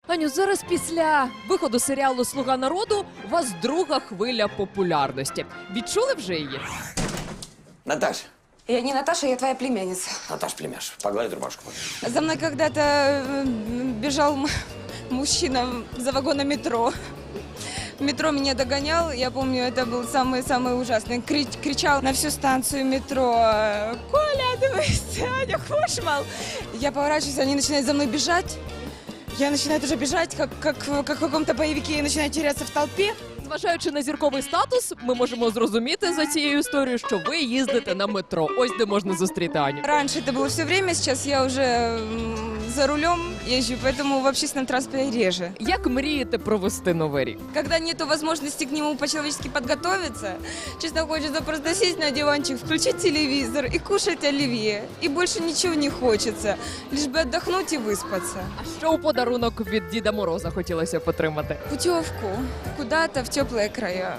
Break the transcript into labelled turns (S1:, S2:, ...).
S1: Аню, зараз після виходу серіалу «Слуга народу» у вас друга хвиля популярності. Відчули вже її?
S2: Наташ,
S3: Я не Наташа, я твоя племянница.
S2: Наташ, племяш, погладь рубашку.
S3: За мной когда-то бежал мужчина за вагоном метро. В метро меня догонял, я помню, это был самый ужасный. Кричал на всю станцию метро: «Коля, дивись, Аня, Кошмал!» Я поворачиваюсь, они начинают за мной бежать. Я начинаю тоже бежать, как в каком-то боевике, и начинаю теряться в толпе.
S1: Зважаючи на зірковий статус, ми можемо зрозуміти за цією історією, що ви їздите на метро. Ось де можна зустріти Аню.
S3: Раньше это было все время, сейчас я уже за рулем езжу, поэтому в общественном транспорте реже.
S1: Як мрієте провести Новий рік?
S3: Когда нету возможности к нему по-человечески подготовиться, честно, хочется просто сесть на диванчик, включить телевизор и кушать оливье. И больше ничего не хочется, лишь бы отдохнуть и выспаться.
S1: А що у подарунок від Діда Мороза хотілося б отримати?
S3: Путевку куда-то в теплые края.